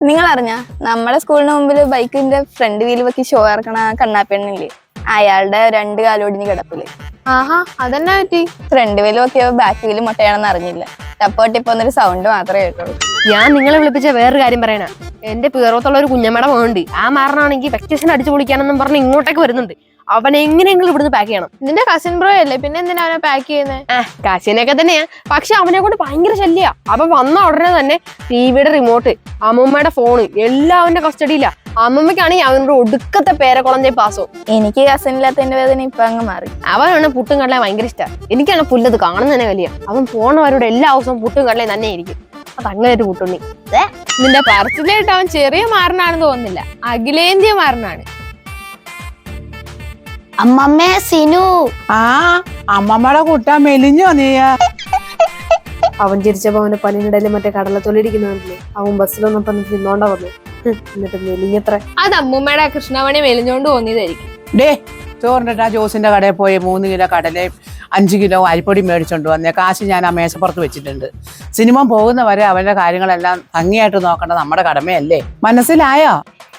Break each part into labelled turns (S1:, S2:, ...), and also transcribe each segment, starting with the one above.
S1: നിങ്ങൾ അറിഞ്ഞ നമ്മുടെ സ്കൂളിന് മുമ്പിൽ ബൈക്കിന്റെ ഫ്രണ്ട് വീല് വെക്കി ഷോ ഇറക്കണ കണ്ണാപ്പെണ്ണില്ലേ, അയാളുടെ 2 കാലോടിഞ്ഞ് കിടപ്പില്.
S2: ആഹാ, അതെന്നാ പറ്റി?
S1: ഫ്രണ്ട് വീല് വെക്കിയ ബാക്ക് വീല് മുട്ടയാണെന്ന് അറിഞ്ഞില്ല. ടപ്പോട്ടിപ്പൊന്നൊരു സൗണ്ട് മാത്രമേ കേട്ടുള്ളൂ.
S3: ഞാൻ നിങ്ങളെ വിളിപ്പിച്ച വേറൊരു കാര്യം പറയണ, എന്റെ പിറവത്തുള്ള ഒരു കുഞ്ഞമ്മയുടെ മോണ്ട് ആ മാറനാണെങ്കിൽ വെക്കേഷൻ അടിച്ചു പൊളിക്കാനെന്നും പറഞ്ഞ് ഇങ്ങോട്ടേക്ക് വരുന്നുണ്ട്. അവൻ എങ്ങനെയെങ്കിലും ഇവിടുന്ന് പാക്ക് ചെയ്യണം.
S2: നിന്റെ കസിൻ ബ്രോ അല്ലേ, പിന്നെ എന്തിനാ അവനെ പാക്ക് ചെയ്യുന്നത്?
S3: കസിനൊക്കെ തന്നെയാ, പക്ഷെ അവനെ കൊണ്ട് ഭയങ്കര ശല്യ. അവൻ വന്ന ഉടനെ തന്നെ ടിവിയുടെ റിമോട്ട്, അമ്മൂമ്മയുടെ ഫോണ് എല്ലാം അവന്റെ കസ്റ്റഡിയില്ല. അമ്മമ്മയ്ക്കാണെങ്കിൽ അവനോട് ഒടുക്കത്തെ പേരക്കുളഞ്ഞ പാസോ.
S1: എനിക്ക് കസിനില്ലാത്തതിന്റെ വേദന ഇപ്പൊ അങ്ങ് മാറി.
S3: അവനാണ് പുട്ടും കടലയും ഭയങ്കര ഇഷ്ടമാണ്. എനിക്കാണ് പുല്ലത് കാണുന്ന തന്നെ വലിയ. അവൻ പോണവരോട് എല്ലാ ദിവസവും പുട്ടും കടലയും തന്നെ ആയിരിക്കും. അതങ്ങനെ ഒരു പുട്ടുണ്ണി.
S2: നിന്റെ പറച്ചിലായിട്ട് അവൻ ചെറിയ മാറനാണെന്ന് തോന്നുന്നില്ല, അഖിലേന്ത്യ മാറനാണ്.
S1: അമ്മമ്മേ സിനു.
S4: അമ്മമ്മയുടെ കൂട്ടാൻ മെലിഞ്ഞോ നീ?
S3: അവൻ ചിരിച്ചപ്പോ അവന്റെ പനിനിടയിൽ മറ്റേ കടലത്തൊലിരിക്കുന്നില്ലേ, അവൻ ബസ്സിലൊന്നപ്പം നിന്നോണ്ടാ വന്നു. എന്നിട്ട് മെലിഞ്ഞത്ര.
S2: അത് അമ്മൂമ്മയുടെ കൃഷ്ണമണി മെലിഞ്ഞോണ്ട് തോന്നിയതായിരിക്കും.
S4: ഡേ ചോറിൻ്റെ ജോസിന്റെ കടയിൽ പോയി 3 കിലോ കടലയും 5 കിലോ അരിപ്പൊടി മേടിച്ചോണ്ട് വന്നേ. കാശ് ഞാൻ ആ മേശപ്പുറത്ത് വെച്ചിട്ടുണ്ട്. സിനിമ പോകുന്ന വരെ അവന്റെ കാര്യങ്ങളെല്ലാം ഭംഗിയായിട്ട് നോക്കേണ്ടത് നമ്മുടെ കടമയല്ലേ? മനസ്സിലായോ?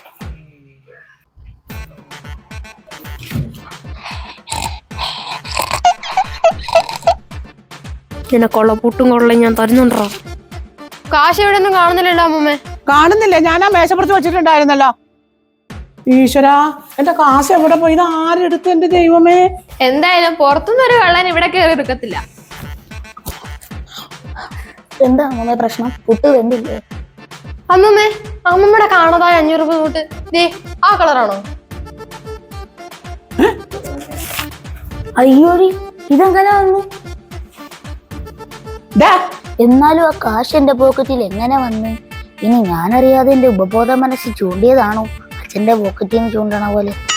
S3: നിനക്കുള്ള പുട്ടും കൊള്ളയും ഞാൻ തരുന്നുണ്ടോ? കാശ് ഇവിടെ ഒന്നും കാണുന്നില്ലല്ലോ അമ്മൂമ്മേ.
S4: കാണുന്നില്ല, ഞാൻ ആ മേശപ്പുറത്ത് വെച്ചിട്ടുണ്ടായിരുന്നല്ലോ. ഈശ്വരാ, എന്റെ കാശ് എവിടെ പോയി? ഇത് ആരെടുത്ത്? എന്റെ ദൈവമേ.
S2: എന്തായാലും പുറത്തുനിന്ന് ഒരു കള്ളൻ ഇവിടെ കയറി എടുക്കത്തില്ല.
S1: എന്താ അമ്മമ്മ പ്രശ്നം? പുട്ട് വെന്തില്ലേ?
S3: അമ്മൂമ്മേ, അമ്മൂമ്മയുടെ കാണാതായ 500 രൂപ നോട്ട് ദേ ആ കളറാണോ?
S5: അയ്യോടി, ഇതെങ്ങനെ വന്നു? എന്നാലും ആ കാശ് എന്റെ പോക്കറ്റിൽ എങ്ങനെ വന്ന്? ഇനി ഞാനറിയാതെ എന്റെ ഉപബോധ മനസ്സ് ചൂണ്ടിയതാണോ? അച്ഛന്റെ പോക്കറ്റിൽ നിന്ന് ചൂണ്ടണ പോലെ.